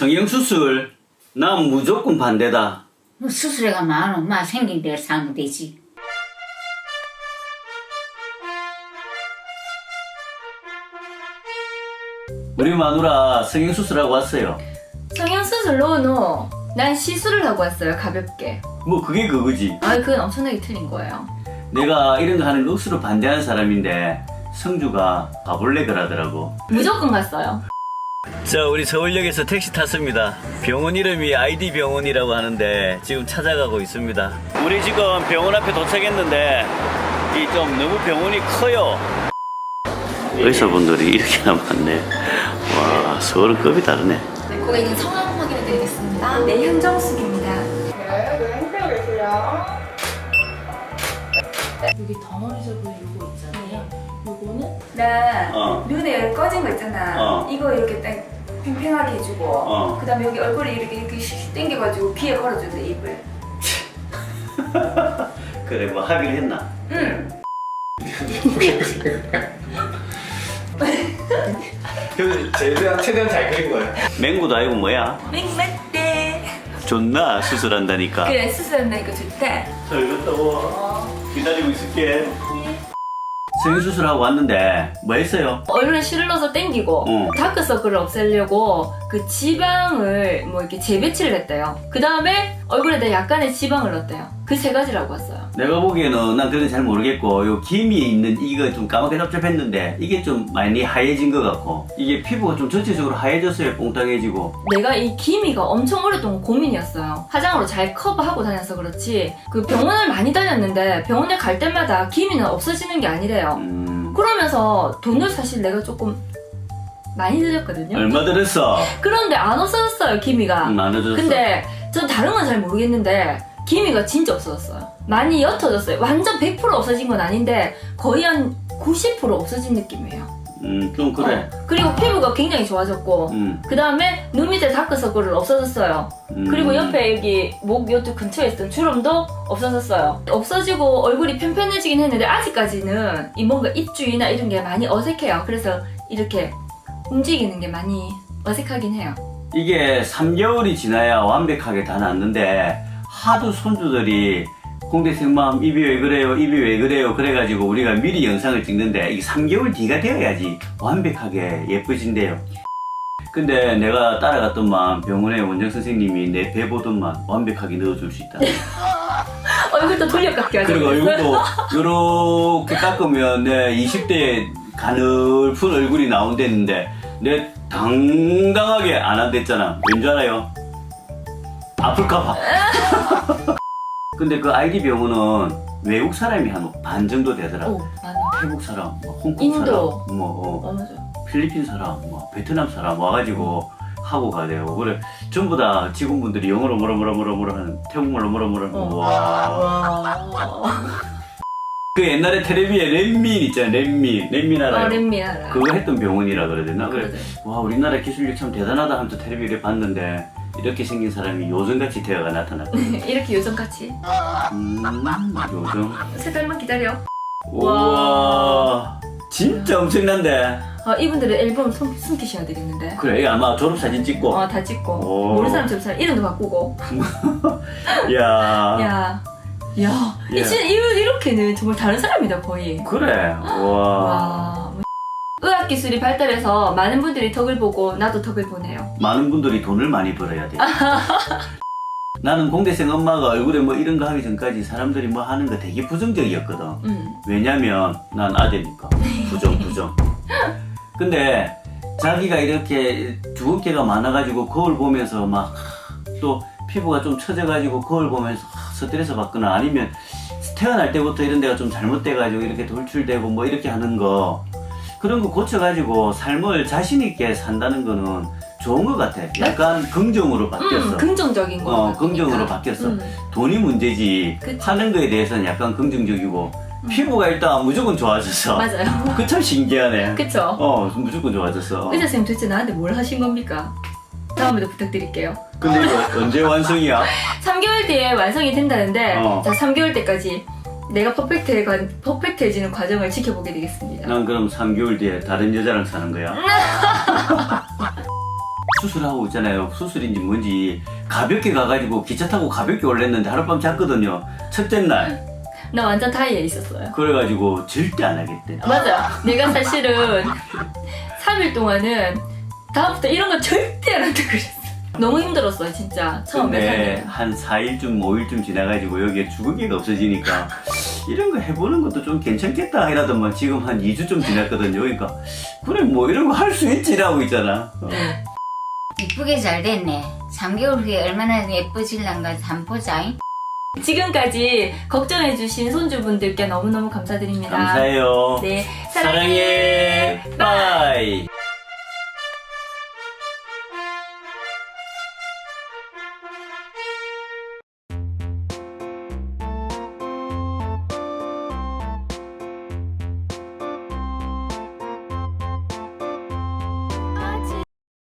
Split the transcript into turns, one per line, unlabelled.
성형수술 난 무조건 반대다.
뭐 수술해가 많아. 엄마 생긴 대로 사면 되지.
우리 마누라 성형수술하고 왔어요.
성형수술로 난 시술을 하고 왔어요. 가볍게.
뭐 그게 그거지.
아, 그건 엄청나게 틀린 거예요.
내가 이런 거 하는 거 억수로 반대하는 사람인데 성주가 가볼래 그러더라고.
무조건 갔어요.
자, 우리 서울역에서 택시 탔습니다. 병원 이름이 ID 병원이라고 하는데 지금 찾아가고 있습니다. 우리 지금 병원 앞에 도착했는데 이 좀 너무 병원이 커요. 의사분들이 이렇게나 많네. 와, 서울은 급이 다르네.
네, 고객님 성함 확인해 드리겠습니다. 네, 현정숙입니다.
여기 덩어리 접을 요거 있잖아요. 요거는
나 눈에 여기 꺼진 거 있잖아. 이거 이렇게 딱 팽팽하게 해주고 그 다음에 여기 얼굴에 이렇게 슉 당겨가지고 귀에 걸어준대, 입을.
그래, 뭐 하기로 했나?
응.
최대한 잘 그린 거예요.
맹구도 아니고 뭐야?
맹맞대.
좋나? 수술한다니까.
그래, 수술한다니까 좋다.
잘 갔다 와. 기다리고 있을게. 성형수술하고 왔는데 뭐 했어요?
얼굴에 실을 넣어서 당기고 다크서클을 없애려고 그 지방을 뭐 이렇게 재배치를 했대요. 그 다음에 얼굴에다 약간의 지방을 넣었대요. 그 세 가지라고 왔어요.
내가 보기에는 난 그건 잘 모르겠고 요 김이 있는 이거 좀 까맣게 짭짭했는데 이게 좀 많이 하얘진 것 같고 이게 피부가 좀 전체적으로 하얘졌어요. 뽕땅해지고.
내가 이 기미가 엄청 오랫동안 고민이었어요. 화장으로 잘 커버하고 다녀서 그렇지 그 병원을 많이 다녔는데 병원에 갈 때마다 기미는 없어지는 게 아니래요. 그러면서 돈을 사실 내가 조금 많이 들였거든요.
얼마 들었어?
그런데 안 없어졌어요, 기미가.
안 얻어졌어.
근데 전 다른 건 잘 모르겠는데 기미가 진짜 없어졌어요. 많이 옅어졌어요. 완전 100% 없어진 건 아닌데 거의 한 90% 없어진 느낌이에요.
좀 그래.
그리고 피부가 굉장히 좋아졌고 그 다음에 눈 밑에 다크서클은 없어졌어요. 그리고 옆에 여기 목 요쪽 근처에 있던 주름도 없어졌어요. 없어지고 얼굴이 편편해지긴 했는데 아직까지는 이 뭔가 입주위나 이런 게 많이 어색해요. 그래서 이렇게 움직이는 게 많이 어색하긴 해요.
이게 3개월이 지나야 완벽하게 다 낫는데 하도 손주들이 공대생맘 입이 왜 그래요 입이 왜 그래요 그래가지고 우리가 미리 영상을 찍는데 이게 3개월 뒤가 되어야지 완벽하게 예뻐진대요. 근데 내가 따라갔더만 병원에 원장 선생님이 내 배 보던만 완벽하게 넣어줄 수 있다.
얼굴도 돌려깎기 하죠.
그리고 얼굴도 요렇게 깎으면 내 20대에 가늘픈 얼굴이 나온댔는데 내 당당하게 안 한댔잖아. 왠 줄 알아요? 아플까봐. 근데 그 ID 병원은 외국 사람이 한 반 정도 되더라고.
오, 맞아.
태국 사람, 뭐 홍콩
인도.
사람, 뭐
맞아.
필리핀 사람, 뭐 베트남 사람 와가지고 하고 가대요. 그래 전부 다 직원분들이 영어로 뭐라 하는 태국말로 뭐라 와. 그 옛날에 텔레비에 렘민 있잖아. 렘민 알아요?
렘민 알아요.
그거 했던 병원이라 그래야 되나? 그래
그래.
와 우리나라 기술력 참 대단하다 하면서 텔레비를 봤는데 이렇게 생긴 사람이 요정같이 되어가 나타났고.
이렇게 요정같이.
요정.
세 달만 기다려.
우와 진짜 엄청난데.
이분들은 앨범 숨기셔야 되겠는데.
그래 이거 아마 졸업사진 찍고.
다 찍고.
오.
모르는 사람 졸업사진 이름도 바꾸고.
야.
야. 진짜 이렇게는 정말 다른 사람이다, 거의.
그래. 와.
와. 의학 기술이 발달해서 많은 분들이 덕을 보고 나도 덕을 보네요.
많은 분들이 돈을 많이 벌어야 돼. 나는 공대생 엄마가 얼굴에 뭐 이런 거 하기 전까지 사람들이 뭐 하는 거 되게 부정적이었거든. 왜냐면 난 아재니까. 부정. 근데 자기가 이렇게 주근깨가 많아가지고 거울 보면서 막 또 피부가 좀 처져가지고 거울 보면서 스트레스 받거나 아니면 태어날 때부터 이런 데가 좀 잘못돼가지고 이렇게 돌출되고 뭐 이렇게 하는 거 그런 거 고쳐가지고 삶을 자신있게 산다는 거는 좋은 것 같아. 약간 긍정으로 바뀌었어.
긍정적인 거.
긍정으로 바뀌었어. 돈이 문제지.
그치.
하는 거에 대해서는 약간 긍정적이고 피부가 일단 무조건 좋아졌어.
맞아요.
그 참 신기하네.
그쵸?
무조건 좋아졌어.
의사 선생님 도대체 나한테 뭘 하신 겁니까? 다음에도 부탁드릴게요.
근데 이거 언제 완성이야?
3개월 뒤에 완성이 된다는데
어.
자 3개월 때까지 내가 퍼펙트해지는 과정을 지켜보게 되겠습니다.
난 그럼 3개월 뒤에 다른 여자랑 사는 거야? 수술하고 있잖아요. 수술인지 뭔지 가볍게 가가지고 기차 타고 가볍게 올랬는데 하룻밤 잤거든요. 첫째 날.
나 완전 타이에 있었어요.
그래가지고 절대 안 하겠대.
맞아. 내가 사실은 3일 동안은 다음부터 이런 거 절대 안 한다 그랬어. 너무 힘들었어요, 진짜. 처음에
근데 한 4일쯤 5일쯤 지나가지고 여기에 주거기가 없어지니까 이런 거 해보는 것도 좀 괜찮겠다 이러더만 지금 한 2주쯤 지났거든요. 그러니까 그래 뭐 이런 거 할 수 있지라고 있잖아.
이쁘게 잘 됐네. 3개월 후에 얼마나 예뻐질란가 한번 보자잉.
지금까지 걱정해주신 손주분들께 너무너무 감사드립니다.
감사해요.
네,
사랑해. 빠이.